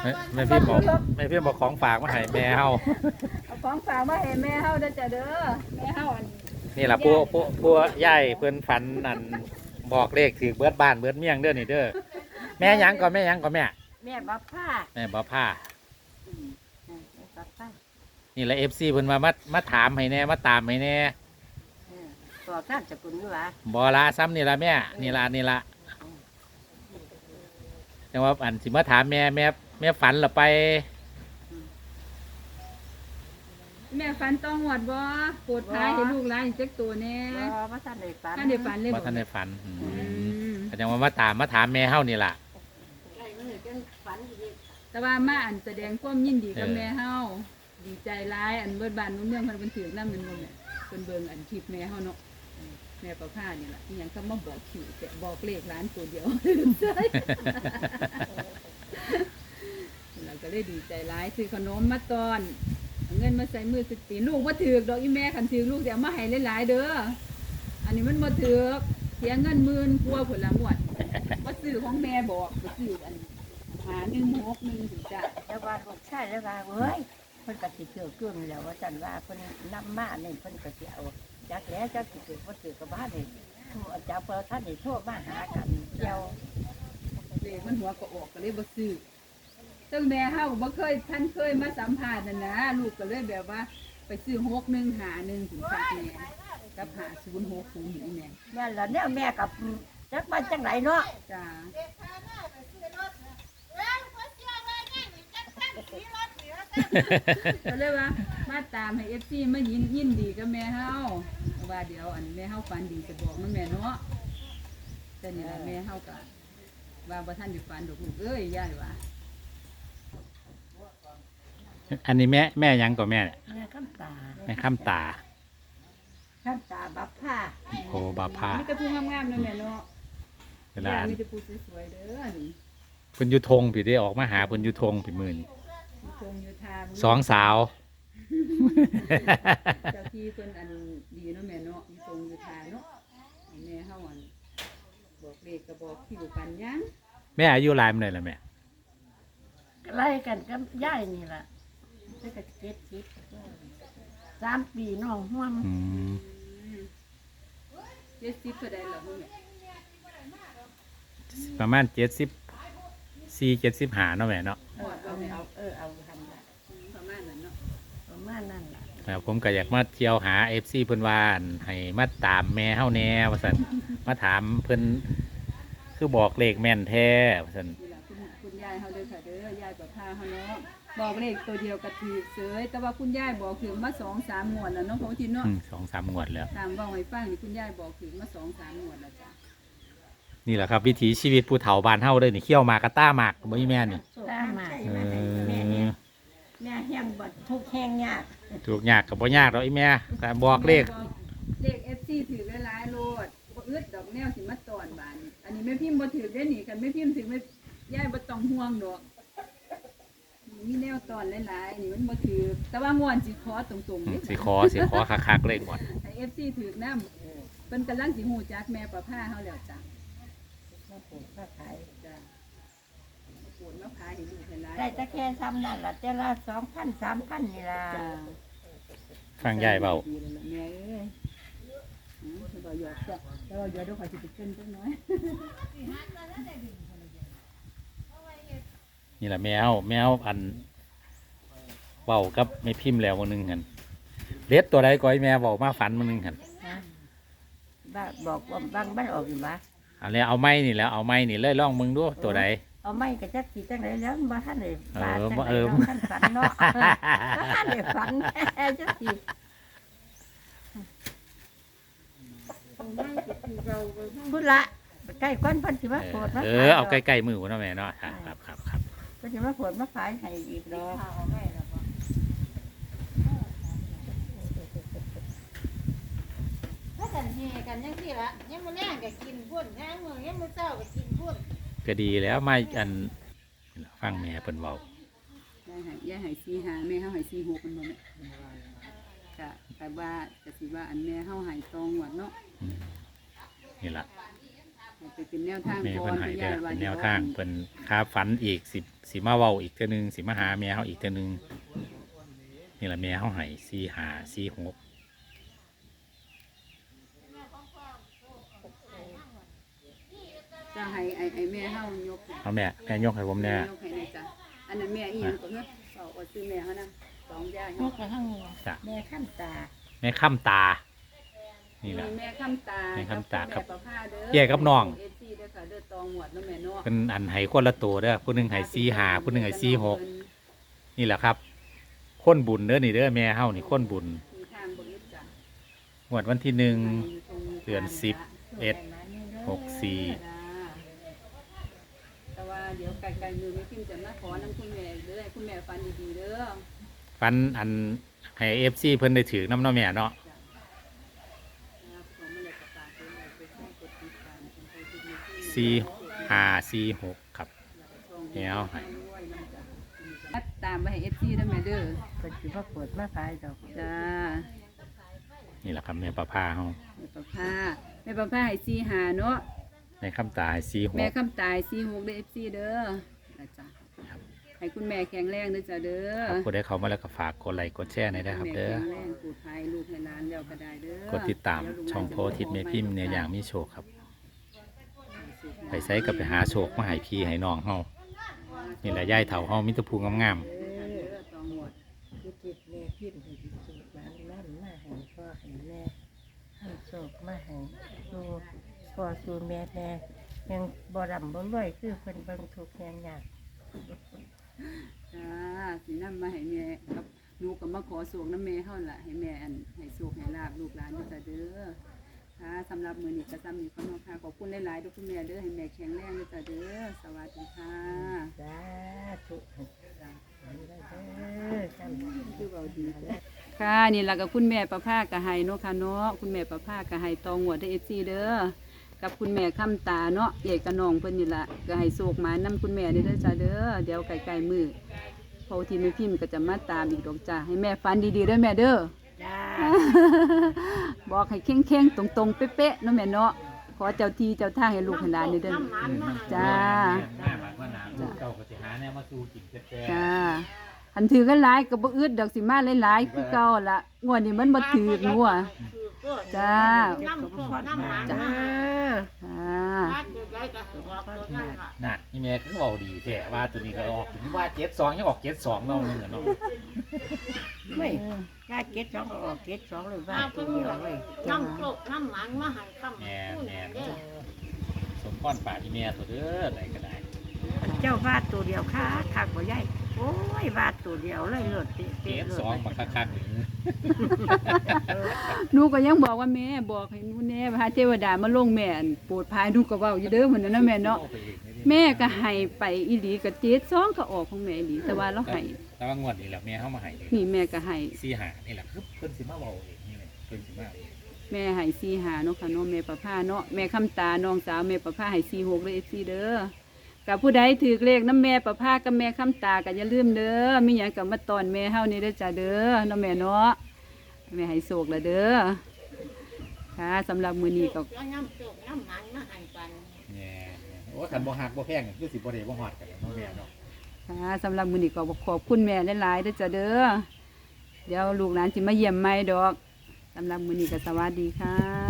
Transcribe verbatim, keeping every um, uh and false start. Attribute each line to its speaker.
Speaker 1: แม่พี่บอกแม่พี่บอกของฝากมาให้แม่เฮา
Speaker 2: เอาของฝากมาให้แม่เฮาเด้อจ้ะเด้อแม่เฮาอัน
Speaker 1: นี่ล่ะผู้ผู้ผู้ย่ายเพิ่นฝันนั่นบอกเลขถือเบิดบ้านเบิดเมี่ยงเด้อนี่เด้อแม่หยังก็แม่หยังก็แม่
Speaker 2: แม่บับผ้า
Speaker 1: แม่บ่ผ้า
Speaker 2: แม่บับผ้า
Speaker 1: นี่แหละ เอฟ ซี เพิ่นมามามาถามให้แน่มาตามให้แน่
Speaker 2: บอกท่านสกุลอยู่หว่า
Speaker 1: บ่ละซ้ำนี่ล่ะแม่นี่ล่ะนี่ล่ะแต่ว่าอันสิมาถามแม่แม่แม่ฝันละไป
Speaker 2: แม่ฝันต้องหวดบ่ปวดท้ายให้ลูกหลานจักตัวแน่บ่บ่ทันได้ฝันทันได้ฝันเลย
Speaker 1: บ่ทันได้ฝันแสดงว่ามาตามมาถามแม่เฮานี่ล่ะ
Speaker 2: แต่ว่ามาอันแสดงความยินดีกับแม่เฮาดีใจร้ายอันเบิดบ้านนู้นเมืองเพิ่นเป็นถือน้ำมันบ่แม่เพิ่นเบิ่งอันคลิปแม่เฮาเนาะแม่ประภานี่ล่ะอีหยังก็มาบอกคิวแต่บอกเลขร้านตัวเดียวใช่เราก็เลยดีใจร้ายซื้อขนมมาตอนเงินมาใส่มือสิปีลูกมาถือกดอกอีแม่ขันถือลูกเดี๋ยวมาให้หลายๆเด้ออันนี้มันมาถือกเสียเงินหมื่นกลัวผลละหมดว่าซื้อของแม่บอกว่าซื้ออันหาหนึ่งหกหนึ่งถึงจะแล้วว่าลูกใช่แล้วว่าเฮ้ยเพิ่นก็สิเกี่ยวกุ้งแล้วว่าจันว่าเพิ่นนำมาเนี่ยเพิ่นก็สิเอาจักแล้วจักสิเกิดว่าถือกับบ้านนี่เจ้าเปิดท่านนี่โทษมาหากันเดียวเลขมันหัวก็ออกก็เลยบ่ซื้อซึ่งแม่เฮาบ่เคยท่านเคยมาสัมภาษณ์นั่นนะลูกก็เลยแบบว่าไปซื้อหกหนึ่งหาหนึ่งถึงสักแม่กับหาศูนย์หกศูนย์นี่แม่แม่ละเนี่ยแม่กับจักบ้านจังไหนเนาะจ้าก็เลยว่ามาตามให้เอฟซีมายินยินดีกับแม่เฮาว่าเดี๋ยวอันแม่เฮาฝันดีจะบอกมันแม่เนาะแต่นี่แม่เฮาก็ว่าบ่ท่านได้ฝันดอกลูกเอ้ยย่าว่า
Speaker 1: อันนี้แม่แม่ยังก็แม่
Speaker 2: แม่คำตา
Speaker 1: แม่คำตา
Speaker 2: คำตาบับผ้า
Speaker 1: โอ้บับผ้า
Speaker 2: มีแต่ผู้งามๆนะแม่เนาะเวลามีแต่ผู้สวยๆเด้อนี่
Speaker 1: เพิ่นอยู่ทงพี่ได้ออกมาหาเพิ่นอยู่ทงพี่มื่น
Speaker 2: ทงอยู่ทาง
Speaker 1: สองสาว
Speaker 2: เจ้าที่เพิ่นอันดีเนาะแม่เนาะอยู่ทงอยู่ทางเนาะแม่เฮาอันบอกเลขก็บอกคิวกันยัง
Speaker 1: แม่อายุหลายมื้อใดล่ะแม่
Speaker 2: ไล่กันกับย่ายนี่ล่ะจะกระเจ็ดสิบสามปีน้องห่วงเจ็ดสิบก็ได้หรอมึง
Speaker 1: ประมาณเจ็ดสิบสี่เจ็ดสิบห้าเนาะแม่เนาะ
Speaker 2: เออเอาเออเอาทำละประมาณนั้นเนาะประมาณนั้นแหละ
Speaker 1: แล้วผมก็อยากมาเที่ยวหาเอฟซีเพิ่นว่าให้มาตามแม่เฮาแน่ว่าซั่นมาถามเพิ่นคือบอกเลขแม่นแท้ว่าซั่น
Speaker 2: คุณยายเฮาเด้อค่ะเด้อยายกับพาเฮาเนาะบอกเลขตัวเดียวกะถือเสยแต่ว่าคุณยายบอกถึงมาสองสามงวดแล้วเนาะของทีเนาะ
Speaker 1: สองสามงวดแล้ว
Speaker 2: ตามบอกให้ฟังนี่คุณยายบอกถึงมาสองสามงวดแล้วจ้ะ
Speaker 1: นี่แหละครับวิถีชีวิตผู้เฒ่าบ้านเฮาเด้อนี่เขี้ยวหมากกะต้าหมากบ่มีแม่นี่
Speaker 2: ต้าหมากแม่เนี่ยแม่แห้งบ่ทุกแห้งยาก
Speaker 1: ทุกยากกับบ่ยากดอกอีแม่แต่บอกเลข
Speaker 2: เลข เอฟ ซี ถือหลายๆโลดบ่อึดดอกแนวสิมาตอนบานอันนี้แม่พิมพ์บ่ถือได้นี่กันแม่พิมพ์ถือไม่ยายบ่ต้องห่วงดอกมีแนวตอนหลายๆนี่มันบ่ถือแต่ว่างวนสิขอตรงๆนี่
Speaker 1: สิขอสิขอคักๆเลยก่อน
Speaker 2: ให้ เอฟ ซี ถือนำเพิ่นกำลังสิฮู้จักแม่ประภาเฮาแล้วจ้ะมาปลูกมาขายจ้ะมาปลูกมาขายให้ลูกให้หลานได้ตะแค่ซ้ำนั่นล่ะแต่ละ สองพัน สามพัน นี่ล่ะ
Speaker 1: ฟังยายเว้า
Speaker 2: แม่เอ้ยอือบ่หยอกจ้ะแต่ว่าเดี๋ยวเดี๋ยวขอสิไปเกินจักหน่อย
Speaker 1: นี่แหละแมวแมวอันเว้ากับไม่พิมพ์แล้วมื้อนึงหั่นเล็ดตัวใดก็ให้แม่เว้ามาฝันมื้อนึงหั่น
Speaker 2: บ้าบอกว่าบางบ้านออกอยู่บ่
Speaker 1: อันนี้เอาไม้นี่แล้วเอาไม้นี่เลยลองมึงดูตัวใด
Speaker 2: เอาไม้ก็จักสิจังได๋แล้วบ่ทันได้บาดจังได๋ท่านฝันเนาะบ่ทันได้ฝันจักสิพุ่นละใกล้ก้อนเพิ่นสิมาโผล่มา
Speaker 1: เออเอาใกล้ๆมือพุ่นเนาะแม่เนาะครับครับครับ
Speaker 2: เพิ่นสิมาโผล่มาขายให้อีกดอก
Speaker 3: ถ้ากันเฮกันยังสิละยังมื้อแลงก็กินพุ่นยังมื้อยังมื้อเช้าก็กินพุ่น
Speaker 1: ก็ดีแล้วไม่อันฟังแม่เพิ่นเว้าย
Speaker 2: ายให้ยายให้สี่ห้าแม่เฮาให้สี่หกมันบ่แม่ก็แต่ว่าจะสิว่าอันแม่เฮาให้ตองหวดเนาะ
Speaker 1: นี่ล่ะ
Speaker 2: ให้ไปเป็นแนวทาง
Speaker 1: แม่
Speaker 2: ก่อ
Speaker 1: เพิ่
Speaker 2: น
Speaker 1: นให้
Speaker 2: คุณ
Speaker 1: เด้
Speaker 2: ยา
Speaker 1: อย
Speaker 2: ว่า
Speaker 1: เป็นแน
Speaker 2: เดี๋ยว
Speaker 1: ทางเพิ่นคาฝันอีกสิสิมาเว้าอีกเทื่อนึงสิมาหาแม่เฮาอีกเทื่อนึงนี่ล่ะแม่เฮาให้สี่ห้าสี่หก
Speaker 2: จะให้ไอ้ไอ้แม่เฮายก
Speaker 1: เอาแม่แม่ยกให้ผมแน่
Speaker 2: ยกให้แน่จ้ะอันนั้นแม่อีหยังก็เฮ้ยเอาเอาซื้อแม่เฮานะสองย่าย
Speaker 3: นกกระทั่ง
Speaker 1: จ้ะ
Speaker 3: แม่ขั้นตา
Speaker 1: แม่ค้ำตา นี่
Speaker 2: นี่
Speaker 1: ล่ะ
Speaker 2: แม่คำตา
Speaker 1: แม่คำตาครับ
Speaker 2: แม่ประภาเด้อ
Speaker 1: แยกกับน้อง
Speaker 2: เอฟซีเด้อค่ะเด้อตองหวดเนาะแม่เนาะ
Speaker 1: เป็นอันให้คนละตัวเด้อผู้หนึงให้สี่ห้าผู้หนึงให้สี่หกนี่แหละครับคนบุญเด้อนี่เด้อแม่เฮานี่คนบุญ
Speaker 2: มีทางบ่ยึดจ้ะ
Speaker 1: งวดวันที่หนึ่ง เดือนสิบ เอ็ด หกสี่
Speaker 2: แต่ว่าเดี๋ยวไกลๆมือไม่พิมพ์จะมาขอน้ำคุณแม่เด้อให้คุณแม่ฟันดีๆเด้อ
Speaker 1: ฟันอันให้เอฟซีเพิ่นได้ถือน้ำเน้อแม่เนาะ
Speaker 2: นะครับผมไม่ได้ประกาศเลยไปให้กดติดตามเป็นไปติดมือที่
Speaker 1: สี่ห้าสี่หกครับ แล้วให้
Speaker 2: ให้ตามไปให้เอฟซีได้ไหมเด้อ
Speaker 3: เปิดสิว่าเปิดมาขายดอก
Speaker 2: จ้า
Speaker 1: นี่แหละครับแม่ประภาเฮา
Speaker 2: แม่ประภาแม่ประภาให้ซีหาเนาะ
Speaker 1: ในคำตาให้สี่ห
Speaker 2: แม่
Speaker 1: ก
Speaker 2: คำตายซีหกเด้อเอฟซีเด้อนะจ้ะให้คุณแม่แข็งแรงเด้อจ้ะเด้อ
Speaker 1: ครับผู้ใดเข้ามาแล้วก็ฝากกดไลค์กดแชร์หน่อยนะครับเด้อ
Speaker 2: แม่แข็งแรงปลอดภัยลูกให้หลานเดียวก็ได้เด้อก
Speaker 1: ดติดตามช่องโพธิตแม่พิมพ์เนี่ยอย่างมีโชคครับ ไปไสก็ไปหาโชคมาให้พี่ให้น้องเฮานี่แหละย่ายเฒ่าเฮามิตรภูงาม
Speaker 2: เด้อตองหมด
Speaker 3: คือจิตแม่พิมพ์ให้จิตสูบมานั่นมาให้พ่อให้แม่ให้โศกมาให้สู่พ่อสู่แม่แม่ยังบ่ดำบ่รวยคือเพิ่นเบิ่งทุกข์ยาก
Speaker 2: จ้าสินำมาให้แม่กับหนูก็มาขอสูงน้ำแม่เฮาล่ะให้แม่อันให้สูกให้ลาบลูกหลานเด้อจ้ะเด้อค่ะสำหรับมื้อนี้ก็ซ้ำนี้ก็เนาะค่ะขอบคุณหลายๆทุกคุณแม่เด้อให้แม่แข็งแรงเด้อจ้ะเด้อสวัสดีค่ะ
Speaker 3: ๆสาธุจ้าเด้อจำ
Speaker 2: คือเบาดีค่ะนี่ล่ะกับคุณแม่ประภาก็ให้เนาะค่ะเนาะคุณแม่ประภาก็ให้ตองหัวได้เอฟซีเด้อกับคุณแม่คำตาเนาะเอกกะน้องเพิ่นนี่ล่ะก็ให้โศกหมานำคุณแม่นี่เด้อจ้าเด้อเดี๋ยวไกลๆมือพอที่ไม่พิมพ์ก็จะมาตามอีกดอกจ้าให้แม่ฟันดีๆเด้อแม่เด้อ
Speaker 3: จ้า
Speaker 2: บอกให้เข่งๆตรงๆเป๊ะๆเนาะแม่เนาะขอเจ้าที่เจ้าทางให้ลูกให้หลานนี่เด้อ
Speaker 1: ๆ
Speaker 2: จ้า
Speaker 1: แม่บัดว่าหนาลูกเก่าก็สิหาแนวมาสู่กินแท้
Speaker 2: จ้าอันถือกันหลายก็บ่อึดดอกสิมาหลายๆคือเก่าล่ะงวดนี้มันบ่ถือกงัวจ้า
Speaker 3: น้ำโคน้ำหมัน
Speaker 2: จ้า
Speaker 3: จ้า
Speaker 2: ค่ะ
Speaker 1: ๆน่ะนี่แม่ก็เว้าดีแท้ว่าตัวนี้ก็ออกถึงว่าเจ็ดสองยังออกเจ็ดสองเนาะนึงอะเนาะ
Speaker 3: ไม่ยาเก็ดสองก็ออกเก็ดสองเลยว่าตัวเดียวเลย
Speaker 4: น้ำโคกน้ำหมันมาให้คำ
Speaker 1: แม่
Speaker 4: พูด
Speaker 1: แม่
Speaker 4: เด้อ
Speaker 1: สมพรปากที่แม่ตัวเด้ออะไรก็ได้
Speaker 3: เจ้าวาดตัวเดียวค่ะคักบ่ใหญ่โอ้ยวาดตัวเดียวเลยเลิศเตะ
Speaker 1: เจ็
Speaker 3: เตะ
Speaker 1: ด
Speaker 3: เลิศ
Speaker 1: สองมาคักๆหนึ่ง
Speaker 2: หนูก็ยังบอกว่าแม่บอกให้หนูแน่พระเทวดามาลงแม่อันโปรดภายหนูก็เว้าอยู่เด้อเหมือนนั้นนะแม่เนาะแม่ก็ให้ไปอีหลีก็เจ็ดสองก็ออกของแม่อีหลีแต่ว่าเราให้
Speaker 1: แต่ว่างวดนี้แหละแม่เข้ามาให้เลย
Speaker 2: นี่แม่ก็ให้
Speaker 1: สี่หานี่แหละคือเพิ่นสิมาเว้าเองนี่แหละเพิ่นสิมาเอง
Speaker 2: แม่ให้สี่หาเนาะค่ะเนาะแม่ประภาเนาะแม่คำตาน้องสาวแม่ประภาให้สี่หกเลยเอฟซีเด้อกับผู้ใดถือเลขน้ำแม่ประภากับแม่คำตาก็อย่าลืมเด้อมีหยังก็มาตอนแม่เฮานี่เด้อจ้าเด้อเนาะแม่เนาะแม่ให้โศกละเด้อค่ะสำหรับมื้อนี้ก็
Speaker 4: แล้วน้ำโคกน้ำหมันมาให้กัน
Speaker 1: แม่โอ้คันบ่ฮักบ่แพงคือสิบ่ได้บ่ฮอดกันเนาะแม่เนาะ
Speaker 2: ค่ะสำหรับมื้อนี้ก็ขอบคุณแม่หลายๆเด้อจ้าเด้อเดี๋ยวลูกหลานสิมาเยี่ยมใหม่ดอกสำหรับมื้อนี้ก็สวัสดีค่ะ